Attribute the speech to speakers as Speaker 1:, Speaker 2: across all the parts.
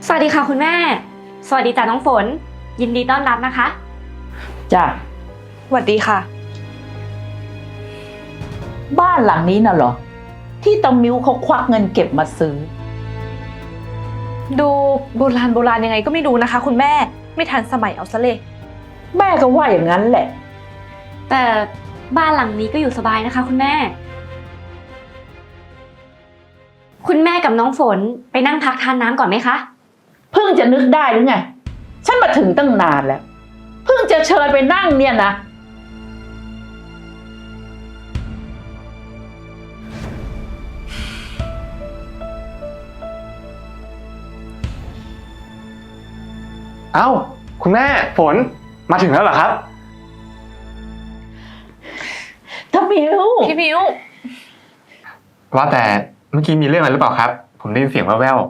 Speaker 1: สวัสดีค่ะคุณแม่สวัสดีจ้าน้องฝนยินดีต้อนรับนะคะ
Speaker 2: จ้ะ
Speaker 3: สวัสดีค่ะ
Speaker 2: บ้านหลังนี้น่ะเหรอที่ตามิ้วเขาควักเงินเก็บมาซื้อ
Speaker 3: ดูโบราณยังไงก็ไม่รู้นะคะคุณแม่ไม่ทันสมัยเอาซะเลย
Speaker 2: แม่ก็ว่าอย่างนั้นแหละ
Speaker 1: แต่บ้านหลังนี้ก็อยู่สบายนะคะคุณแม่คุณแม่กับน้องฝนไปนั่งพักทานน้ำก่อนไหมคะ
Speaker 2: เพิ่งจะนึกได้หรือไงฉันมาถึงตั้งนานแล้วเพิ่งจะเชิญไปนั่งเนี่ยนะ
Speaker 4: เอ้าคุณแม่ฝนมาถึงแล้วเหรอครับ
Speaker 2: ตามิ้ว
Speaker 3: พี่มิว
Speaker 4: ว่าแต่เมื่อกี้มีเรื่องอะไรหรือเปล่าครับผมได้ยินเสียงแว่ว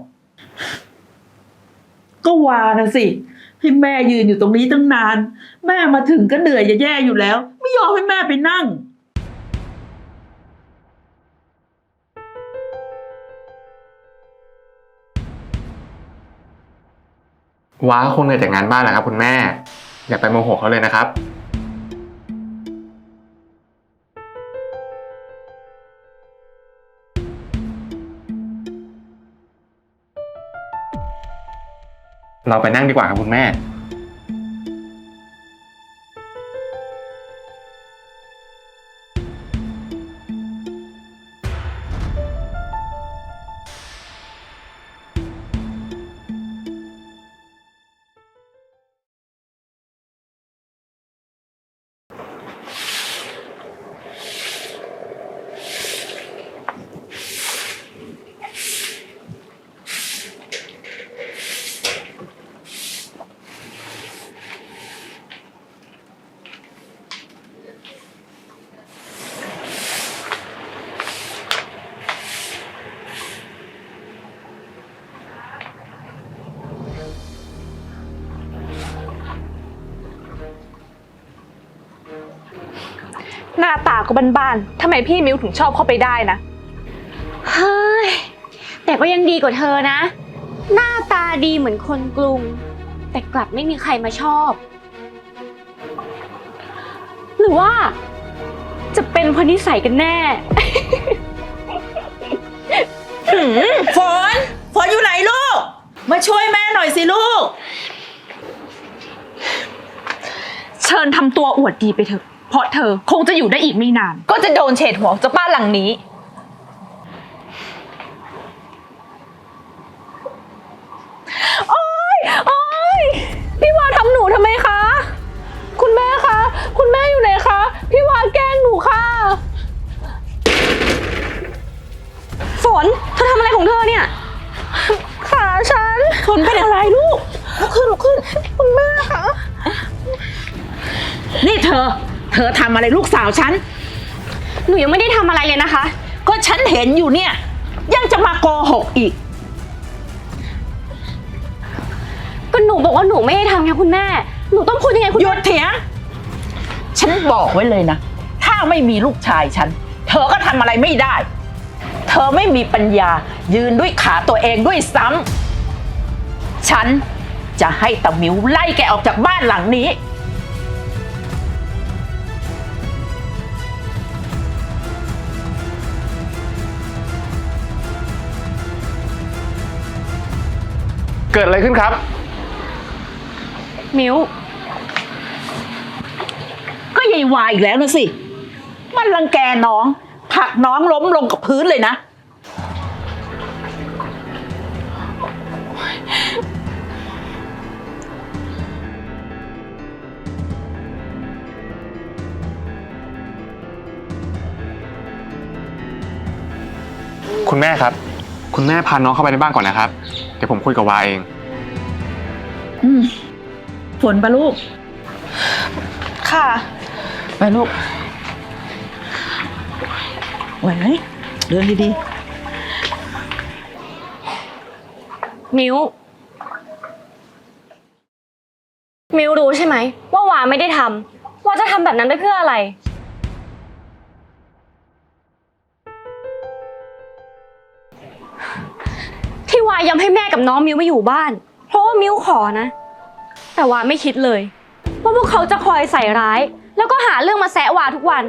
Speaker 2: ก็ว่านะสิให้แม่ยืนอยู่ตรงนี้ตั้งนานแม่มาถึงก็เหนื่อยจะแย่อยู่แล้วไม่ยอมให้แม่ไปนั่ง
Speaker 4: ๆว้าคงเหนื่อยจากงานบ้านแหละครับคุณแม่อย่าไปโมโหเขาเลยนะครับเราไปนั่งดีกว่าครับคุณแม่
Speaker 3: หน้าตาก็บ้านๆทำไมพี่มิวถึงชอบเข้าไปได้นะ
Speaker 1: เฮ้ยแต่ก็ยังดีกว่าเธอนะหน้าตาดีเหมือนคนกรุงแต่กลับไม่มีใครมาชอบหรือว่าจะเป็นเพราะนิสัยกันแน่
Speaker 2: ฝนอยู่ไหนลูกมาช่วยแม่หน่อยสิลูก
Speaker 3: เชิญทำตัวอวดดีไปเถอะเพราะเธอคงจะอยู่ได้อีกไม่นานก็จะโดนเฉดหัวจากบ้านหลังนี้โอ๊ยโอ๊ยพี่วาทำหนูทำไมคะคุณแม่คะคุณแม่อยู่ไหนคะพี่วาแกล้งหนูค่ะ
Speaker 1: ฝนเธอทำอะไรของเธอเนี่ย
Speaker 3: ขาฉัน
Speaker 2: ฝนเป็นอะไรลูกลุกขึ้น
Speaker 3: คุณแม่คะ
Speaker 2: นี่เธอทำอะไรลูกสาวฉัน
Speaker 1: หนูยังไม่ได้ทำอะไรเลยนะคะ
Speaker 2: ก็ฉันเห็นอยู่เนี่ยยังจะมาโกหกอีก
Speaker 1: ก็หนูบอกว่าหนูไม่ได้ทำไงคุณแม่หนูต้องพูดยังไงคุณ
Speaker 2: หยุดเถียงฉันบอกไว้เลยนะถ้าไม่มีลูกชายฉันเธอก็ทำอะไรไม่ได้เธอไม่มีปัญญายืนด้วยขาตัวเองด้วยซ้ำฉันจะให้ตามิวไล่แกออกจากบ้านหลังนี้
Speaker 4: เกิดอะไรขึ้นครับ
Speaker 1: มิว
Speaker 2: ก็ยายวายอีกแล้วนะสิมันรังแกน้องผลักน้องล้มลงกับพื้นเลยนะ
Speaker 4: คุณแม่ครับคุณแม่พาน้องเข้าไปในบ้านก่อนนะครับเดี๋ยวผมคุยกับวาเอง
Speaker 2: ฝนปะลูก
Speaker 3: ค่ะ
Speaker 2: ไปลูกไหวไหมเดินดี
Speaker 1: ๆมิวรู้ใช่ไหมว่าวาไม่ได้ทำวาจะทำแบบนั้นไปเพื่ออะไร ที่วาายอมให้แม่กับน้องมิวมาอยู่บ้าน เพราะว่ามิวขอนะ แต่วาไม่คิดเลยว่าพวกเขาจะคอยใส่ร้าย แล้วก็หาเรื่องมาแซะวาทุกวัน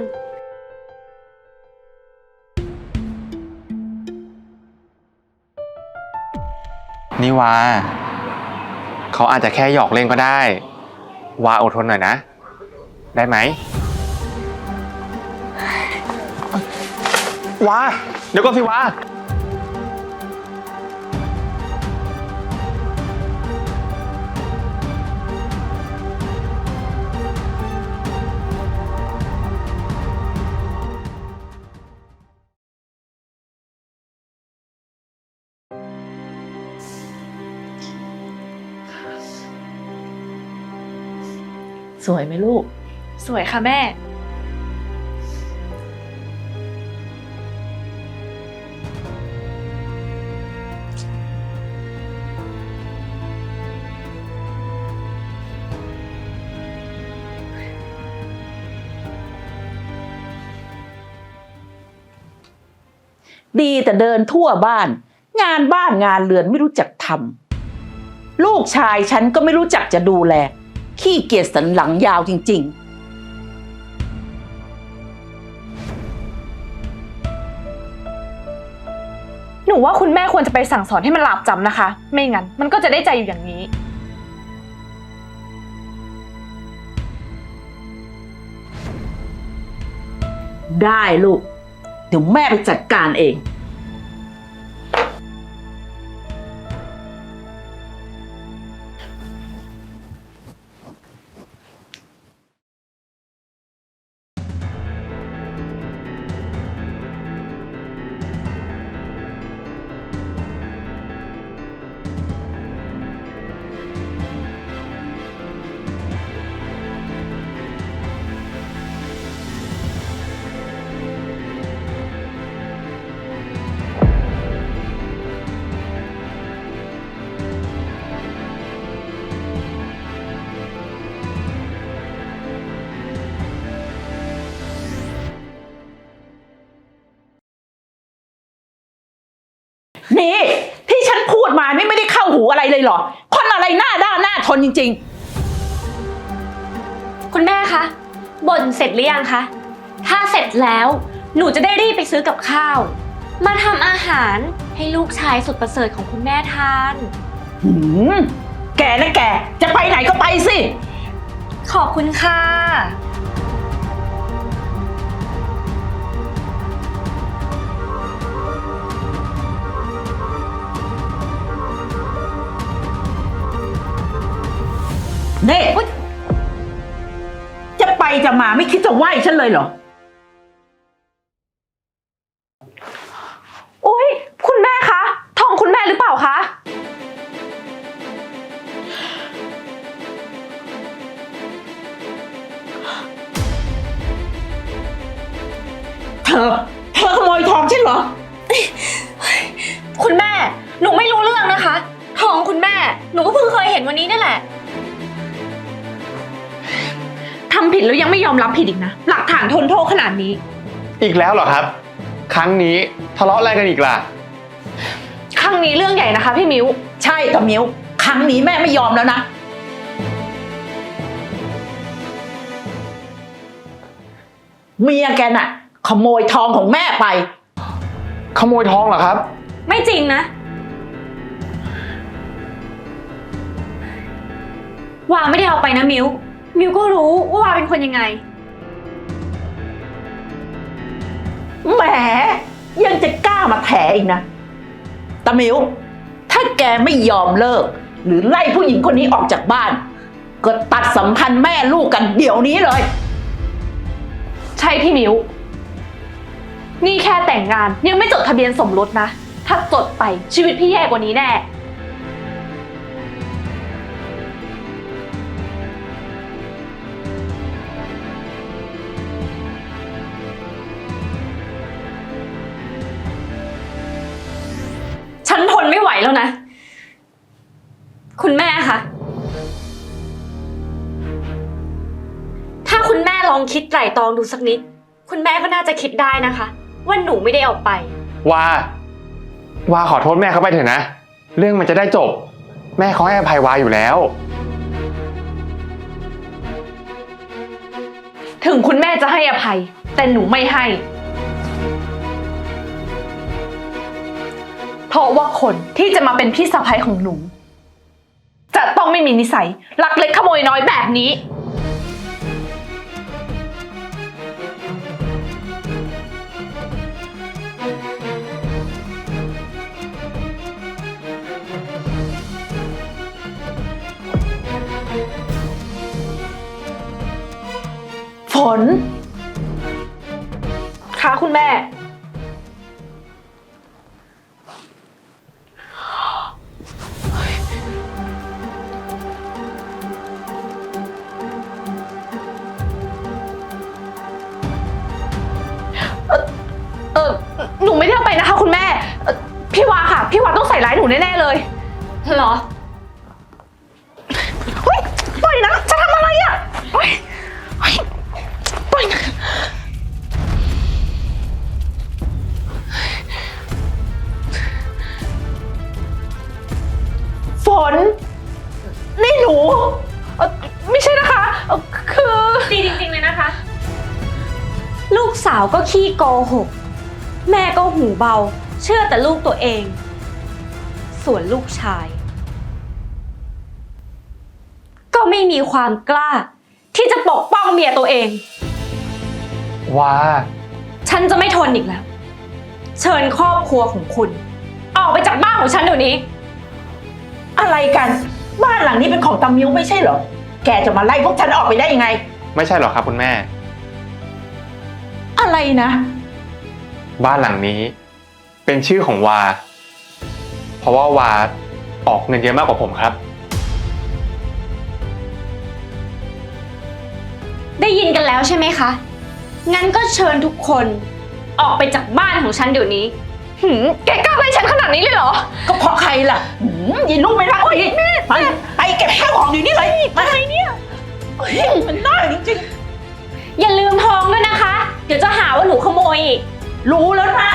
Speaker 4: นี่วาเขาอาจจะแค่หยอกเล่นก็ได้ วาอดทนหน่อยนะ ได้ไหมวาเดี๋ยวก่อนสิวา
Speaker 2: สวยไหมลูก
Speaker 3: สวยค่ะแม่
Speaker 2: ดีแต่เดินทั่วบ้าน งานบ้านงานเรือนไม่รู้จักทำลูกชายฉันก็ไม่รู้จักจะดูแลขี้เกียจสันหลังยาวจริงๆ
Speaker 3: หนูว่าคุณแม่ควรจะไปสั่งสอนให้มันหลาบจำนะคะ ไม่งั้นมันก็จะได้ใจอยู่อย่างนี้
Speaker 2: ได้ลูก เดี๋ยวแม่ไปจัดการเอง นี่ที่ฉันพูดมานี่ไม่ได้เข้าหูอะไรเลยเหรอ คนอะไรหน้าด้านหน้าทนจริง
Speaker 1: คุณแม่คะบ่นเสร็จหรือยังคะ ถ้าเสร็จแล้วหนูจะได้รีบไปซื้อกับข้าว มาทำอาหารให้ลูกชายสุดประเสริฐของคุณแม่ทาน
Speaker 2: ๆหืมแกนะแกจะไปไหนก็ไปสิ
Speaker 1: ขอบคุณค่ะ
Speaker 2: นี่จะไปจะมาไม่คิดจะไหว้ฉันเลยเหรอ
Speaker 3: อุ๊ย คุณแม่คะทองคุณแม่หรือเปล่าคะ
Speaker 2: เธอขโมยทองฉันเหรอ
Speaker 1: คุณแม่ หนูไม่รู้เรื่องนะคะ ทองคุณแม่ หนูก็เพิ่งเคยเห็นวันนี้นี่แหละ
Speaker 3: ทำผิดแล้วยังไม่ยอมรับผิดอีกนะ หลักฐานทนโทษขนาดนี้
Speaker 4: อีกแล้วเหรอครับ ครั้งนี้ทะเลาะอะไรกันอีกล่ะ
Speaker 3: ครั้งนี้เรื่องใหญ่นะคะพี่มิ้ว
Speaker 2: ใช่กับมิ้วครั้งนี้แม่ไม่ยอมแล้วนะเมียแกน่ะ ขโมยทองของแม่ไป
Speaker 4: ขโมยทองเหรอครับ
Speaker 1: ไม่จริงนะ วาไม่ได้เอาไปนะมิว มิวก็รู้ว่าวาเป็นคนยังไง
Speaker 2: แหมยังจะกล้ามาแถอีกนะตามิวถ้าแกไม่ยอมเลิก หรือไล่ผู้หญิงคนนี้ออกจากบ้าน ก็ตัดสัมพันธ์แม่ลูกกันเดี๋ยวนี้เลย
Speaker 3: ใช่พี่มิ้ว นี่แค่แต่งงานยังไม่จดทะเบียนสมรสนะ ถ้าจดไปชีวิตพี่แย่กว่านี้แน่
Speaker 1: ฉันทนไม่ไหวแล้วนะ คุณแม่คะถ้าคุณแม่ลองคิดไตร่ตรองดูสักนิด คุณแม่ก็น่าจะคิดได้นะคะ ว่าหนูไม่ได้เอาไป
Speaker 4: วาขอโทษแม่เขาไปเถอะนะเรื่องมันจะได้จบ แม่เขาให้อภัยวาอยู่แล้ว
Speaker 3: ถึงคุณแม่จะให้อภัย แต่หนูไม่ให้ เพราะว่าคนที่จะมาเป็นพี่สะใภ้ของหนู จะต้องไม่มีนิสัยลักเล็กขโมยน้อยแบบนี้ ฝนค่ะคุณแม่ หนูไม่ได้เอาไปนะคะคุณแม่พี่วาค่ะ พี่วาต้องใส่ร้ายหนูแน่ๆเลยเหรอเฮ้ยปล่อยนะจะทำอะไรอ่ะเฮ้ยปล่อยนะฝนนี่หนูไม่ใช่นะคะคือ
Speaker 1: ดีจริงๆเลยนะคะ ลูกสาวก็ขี้โกหก แม่ก็หูเบา เชื่อแต่ลูกตัวเอง ส่วนลูกชาย ก็ไม่มีความกล้า ที่จะปกป้องเมียตัวเอง
Speaker 4: ว้า
Speaker 1: ฉันจะไม่ทนอีกแล้ว เชิญครอบครัวของคุณ ออกไปจากบ้านของฉันเดี๋ยวนี้
Speaker 2: อะไรกันบ้านหลังนี้เป็นของตามิ้วไม่ใช่เหรอแกจะมาไล่พวกฉันออกไปได้ยังไง
Speaker 4: ไม่ใช่หรอกครับคุณแม่
Speaker 2: อะไรนะ
Speaker 4: บ้านหลังนี้เป็นชื่อของวา เพราะว่าวาออกเงินเยอะมากกว่าผมครับ
Speaker 1: ได้ยินกันแล้วใช่ไหมคะ งั้นก็เชิญทุกคนออกไปจากบ้านของฉันเดี๋ยวนี้
Speaker 3: แกกล้าไล่ฉันขนาดนี้เลยเหรอ
Speaker 2: ก็เพราะใครล่ะยินลูกไม่รักอีกไปเก็บข้าวของอยู่นี่เลยมาไงเนี่ยมันน่าจริง
Speaker 1: อย่าลืมทองด้วยนะคะ เดี๋ยวจะหาว่าหนูขโมยอีก
Speaker 2: ๆรู้แล้วนะ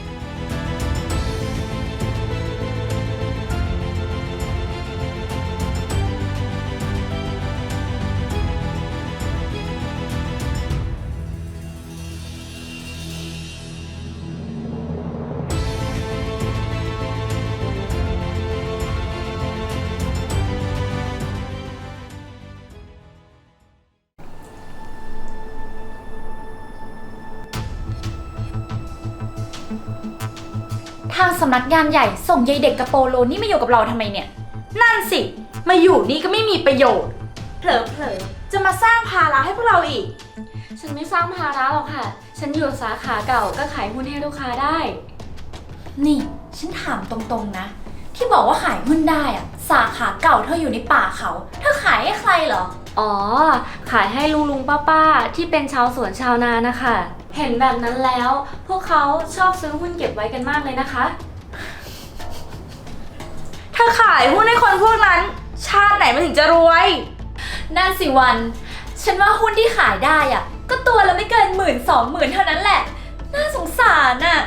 Speaker 5: ทางสำนักงานใหญ่ส่งยายเด็กกระโปโลนี่มาอยู่กับเราทำไมเนี่ย นั่นสิ มาอยู่นี่ก็ไม่มีประโยชน์ เผลอๆจะมาสร้างภาระให้พวกเราอีก
Speaker 1: ฉันไม่สร้างภาระหรอกค่ะ ฉันอยู่สาขาเก่าก็ขายหุ้นให้ลูกค้าได้
Speaker 5: นี่ฉันถามตรงๆนะ ที่บอกว่าขายหุ้นได้อะสาขาเก่าเธออยู่ในป่าเขาเธอขายให้ใครเหรอ
Speaker 1: อ๋อ ขายให้ลุงป้าที่เป็นชาวสวนชาวนานะคะ เห็นแบบนั้นแล้ว พวกเขาชอบซื้อหุ้นเก็บไว้กันมากเลยนะคะ
Speaker 5: ถ้าขายหุ้นให้คนพวกนั้น ชาติไหนมันถึงจะรวย นั่นสิวัน ฉันว่าหุ้นที่ขายได้อะก็ตัวละไม่เกิน10,000-20,000เท่านั้นแหละ น่าสงสารอะ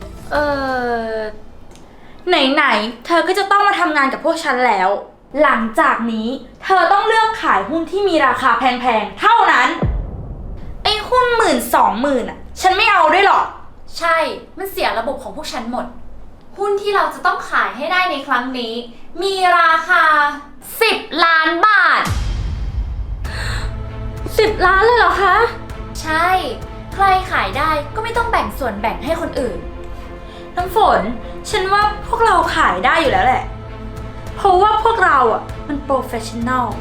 Speaker 5: ไหนๆเธอก็จะต้องมาทำงานกับพวกฉันแล้ว หลังจากนี้เธอต้องเลือกขายหุ้นที่มีราคาแพงๆเท่านั้น ไอ้หุ้น10,000-20,000อะฉันไม่เอาด้วยหรอก ใช่ มันเสียระบบของพวกฉันหมด หุ้นที่เราจะต้องขายให้ได้ในครั้งนี้ มีราคา10 ล้านบาท
Speaker 1: 10 ล้านเลยเหรอคะ
Speaker 5: ใช่ ใครขายได้ก็ไม่ต้องแบ่งส่วนแบ่งให้คนอื่น น้ำฝน ฉันว่าพวกเราขายได้อยู่แล้วแหละ เพราะว่าพวกเราอ่ะมันโปรเฟชชั่นแนล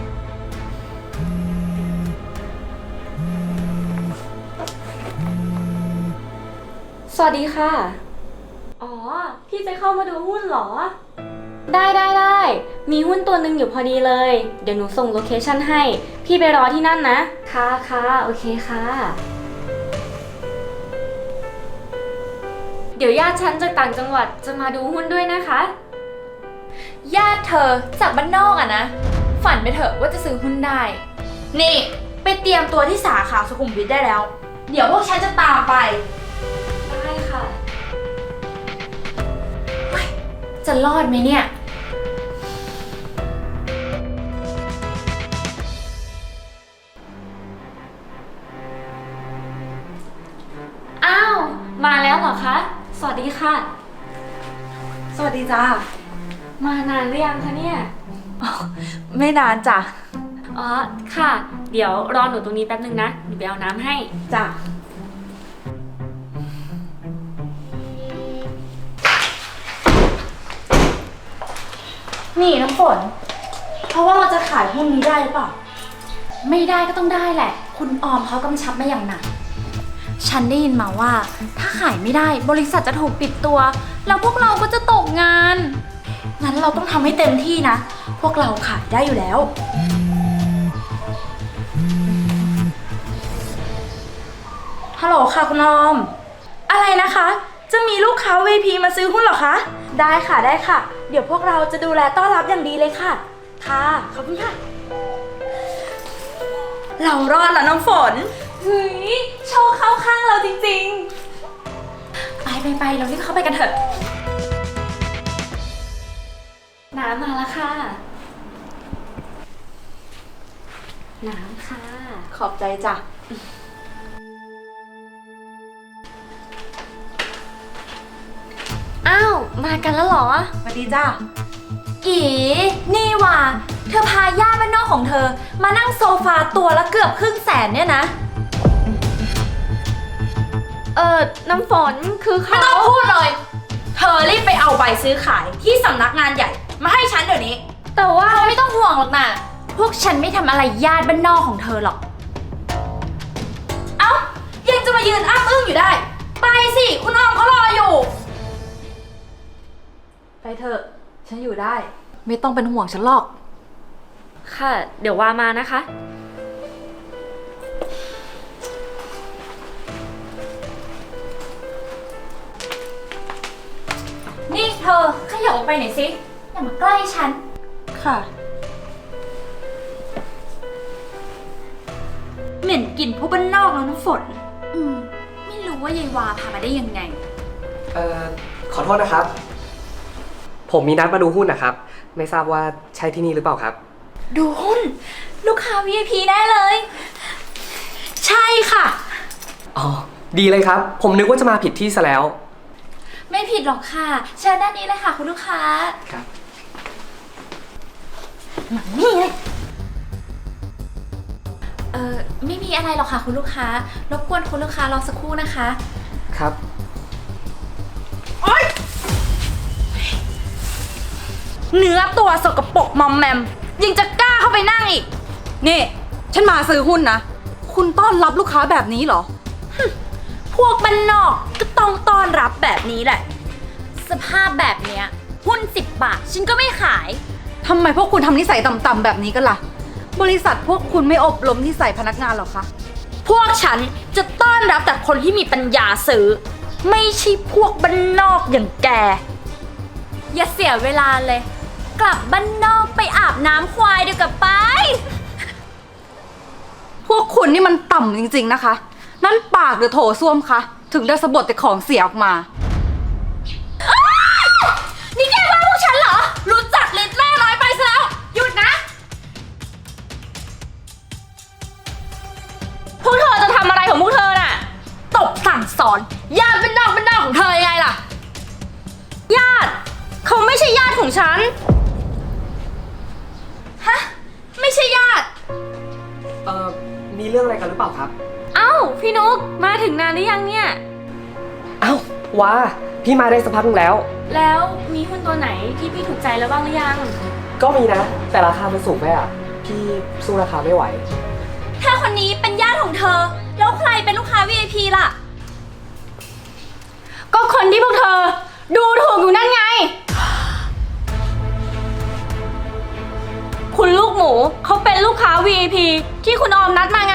Speaker 1: สวัสดีค่ะ อ๋อ พี่จะเข้ามาดูหุ้นเหรอ ได้ มีหุ้นตัวหนึ่งอยู่พอดีเลย เดี๋ยวหนูส่งโลเคชั่นให้ พี่ไปรอที่นั่นนะ ค่ะ โอเคค่ะ เดี๋ยวญาติฉันจากต่างจังหวัดจะมาดูหุ้นด้วยนะคะ
Speaker 5: ญาติเธอจากบ้านนอกอะนะ ฝันไปเถอะว่าจะซื้อหุ้นได้ นี่ ไปเตรียมตัวที่สาขาสุขุมวิทได้แล้ว เดี๋ยวพวกฉันจะตามไป
Speaker 1: ได้ค่ะ
Speaker 5: จะรอดไหมเนี่ย
Speaker 1: สวัสดีค่ะ
Speaker 5: สวัสดีจ้า
Speaker 1: มานานหรือยังคะเนี่ย
Speaker 5: ไม่นานจ้ะ
Speaker 1: อ๋อ ค่ะ เดี๋ยวรอหนูตรงนี้แป๊บนึงนะหนูไปเอาน้ำให้
Speaker 5: จ้ะ นี่น้ำฝน เพราะว่าเราจะขายหุ้นนี้ได้หรือเปล่า
Speaker 6: ไม่ได้ก็ต้องได้แหละ คุณออมเขากำชับมาอย่างหนัก ฉันได้ยินมาว่า ถ้าขายไม่ได้บริษัทจะถูกปิดตัว แล้วพวกเราก็จะตกงาน
Speaker 5: งั้นเราต้องทำให้เต็มที่นะ พวกเราขายได้อยู่แล้ว ฮัลโหลค่ะคุณออม อะไรนะคะ จะมีลูกค้า VIP มาซื้อหุ้นเหรอคะ ได้ค่ะได้ค่ะ เดี๋ยวพวกเราจะดูแลต้อนรับอย่างดีเลยค่ะ ค่ะ ขอบคุณค่ะ เรารอดแล้วน้ำฝน
Speaker 1: เฮ้ย โชว์เข้าข้างเราจริง
Speaker 6: ไปเรารีบเข้าไปกันเถอะ
Speaker 1: ๆ น้ำมาแล้วค่ะ น้ำค่ะ
Speaker 5: ขอบใจจ้ะ
Speaker 1: อ้าว มากันแล้วเหรอ
Speaker 5: สวัสดีจ้ะ
Speaker 6: อีนี่ว่ะเธอพาญาติบ้านนอกของเธอ มานั่งโซฟาตัวละเกือบ100,000เนี่ยนะ
Speaker 1: น้ำฝนคือ
Speaker 5: ไม่
Speaker 1: เขา
Speaker 5: ต้องพูดเลย เธอรีบไปเอาใบซื้อขายที่สำนักงานใหญ่ มาให้ฉันเดี๋ยวนี้
Speaker 1: แต่ว่า
Speaker 6: เธอไม่ต้องห่วงหรอกนะพวกฉันไม่ทำอะไรญาติบ้านนอกของเธอหรอก
Speaker 5: เอ้า ยังจะมายืนอ้าอึ้งอยู่ได้ ไปสิ คุณออมเขารออยู่ ไปเถอะ ฉันอยู่ได้
Speaker 3: ไม่ต้องเป็นห่วงฉันหรอก
Speaker 1: ค่ะ เดี๋ยวว่ามานะคะ
Speaker 6: นี่เธอขยับออกไปหน่อยสิ อย่ามาใกล้ฉัน
Speaker 5: ค่ะ เหม็นกลิ่นพวกบ้านนอกแล้วน้ำฝน
Speaker 6: ไม่รู้ว่ายายวาพามาได้ยังไง
Speaker 7: ขอโทษนะครับ ผมมีนัดมาดูหุ้นนะครับ ไม่ทราบว่าใช่ที่นี่หรือเปล่าครับ
Speaker 6: ดูหุ้น ลูกค้า VIP ได้เลย
Speaker 5: ใช่ค่ะ
Speaker 7: อ๋อ ดีเลยครับ ผมนึกว่าจะมาผิดที่ซะแล้ว
Speaker 6: ไม่ผิดหรอกค่ะ เชิญด้านนี้เลยค่ะคุณลูกค้า
Speaker 7: ครับ
Speaker 6: ไม่มีอะไรหรอกค่ะคุณลูกค้ารบกวนคุณลูกค้ารอสักครู่นะคะ
Speaker 7: ครับ
Speaker 5: เนื้อตัวสกปรกมอมแมม ยังจะกล้าเข้าไปนั่งอีก
Speaker 3: นี่ ฉันมาซื้อหุ้นนะ คุณต้อนรับลูกค้าแบบนี้เหรอ
Speaker 5: พวกบ้านนอกก็ต้องต้อนรับแบบนี้แหละ
Speaker 6: สภาพแบบเนี้ยหุ้น10 บาท ฉันก็ไม่ขาย
Speaker 3: ทำไมพวกคุณทำนิสัยต่ำๆแบบนี้กันล่ะ บริษัทพวกคุณไม่อบรมนิสัยพนักงานหรอคะ
Speaker 5: พวกฉันจะต้อนรับแต่คนที่มีปัญญาซื้อ ไม่ใช่พวกบ้านนอกอย่างแก
Speaker 6: อย่าเสียเวลาเลย กลับบ้านนอกไปอาบน้ำควายเดี๋ยวกลับไป
Speaker 3: พวกคุณนี่มันต่ำจริงๆนะคะ นั่นปากหรือโถส้วมคะ ถึงได้สะบดแต่ของเสียออกมา
Speaker 5: นี่แกว่าพวกฉันเหรอ รู้จักลิ้นแม่น้อยไปซะแล้ว หยุดนะ
Speaker 1: พวกเธอจะทำอะไรของพวกเธอน่ะ
Speaker 5: ตบสั่งสอนญาติบ้านนอกของเธอยังไงล่ะ
Speaker 1: ญาติ เขาไม่ใช่ญาติของฉัน
Speaker 5: ฮะ ไม่ใช่ญาติ
Speaker 7: มีเรื่องอะไรกันหรือเปล่าครับ
Speaker 1: เอ้า พี่นุ๊กมาถึงนานหรือยังเนี่ย
Speaker 7: เอ้าว้าพี่มาได้สักพักนึงแล้ว
Speaker 1: แล้วมีหุ้นตัวไหนที่พี่ถูกใจแล้วบ้างหรือยัง
Speaker 7: ก็มีนะ แต่ราคามันสูงไปอ่ะ พี่สู้ราคาไม่ไหว
Speaker 6: ถ้าคนนี้เป็นญาติของเธอ แล้วใครเป็นลูกค้า VIP ล่ะ
Speaker 1: ก็คนที่พวกเธอ ดูถูกอยู่นั่นไง คุณลูกหมูเขาเป็นลูกค้า VIP ที่คุณออมนัดมาไง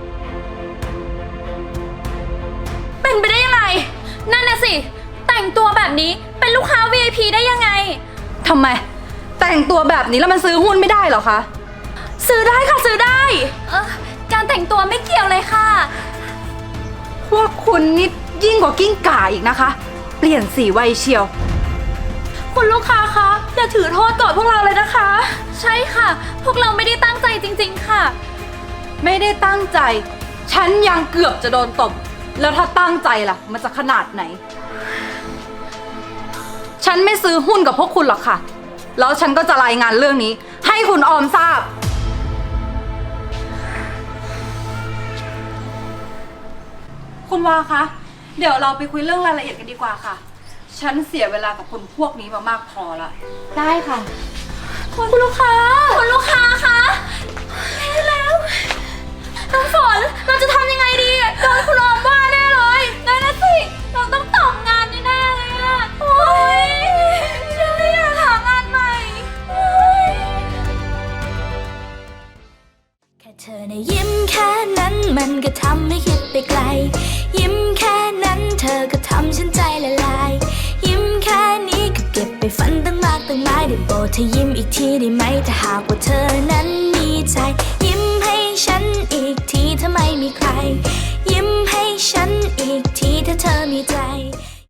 Speaker 6: เป็นไปได้ยังไง นั่นน่ะสิ แต่งตัวแบบนี้เป็นลูกค้า VIP ได้ยังไง
Speaker 3: ทำไม แต่งตัวแบบนี้แล้วมันซื้อหุ้นไม่ได้เหรอคะ
Speaker 6: ซื้อได้ค่ะซื้อได้ การแต่งตัวไม่เกี่ยวเลยค่ะ
Speaker 3: พวกคุณนี่ยิ่งกว่ากิ้งก่าอีกนะคะ เปลี่ยนสีไวเชียว
Speaker 6: คุณลูกค้าคะอย่าถือโทษโกรธพวกเราเลยนะคะ ใช่ค่ะ พวกเราไม่ได้ตั้งใจจริง ๆ ค่ะ
Speaker 3: ไม่ได้ตั้งใจ ฉันยังเกือบจะโดนตบ แล้วถ้าตั้งใจล่ะ มันจะขนาดไหนฉันไม่ซื้อหุ้นกับพวกคุณหรอกค่ะ แล้วฉันก็จะรายงานเรื่องนี้ ให้คุณออมทราบ คุณวาคะ เดี๋ยวเราไปคุยเรื่องรายละเอียดกันดีกว่าค่ะ ฉันเสียเวลากับคนพวกนี้มามากพอละ
Speaker 1: ได้ค่ะ
Speaker 6: คุณลูกค้าคะไม่แล้วน้ำฝนเราจะทำยังไงดีโดนคุณออมว่าแน่เลยนั่นนะสิเราต้องตกงานแน่ๆเลยอะโอ๊ยฉันไม่อยากหางานใหม่โอ๊ย
Speaker 8: แค่เธอในะยิ้มแค่นั้นมันก็ทำให้คิดไปไกล ยิ้มแค่นั้นเธอก็ทำฉันใจละลาย ยิ้มแค่นี้ก็เก็บไปฝันตั้งมากตั้งหลายได้โปรดเธอยิ้มอีกทีได้ไหมถ้าหากว่าเธอนั้นมีใจ ยิ้มให้ฉันอีกทีถ้าไม่มีใคร ยิ้มให้ฉันอีกทีถ้าเธอมีใจ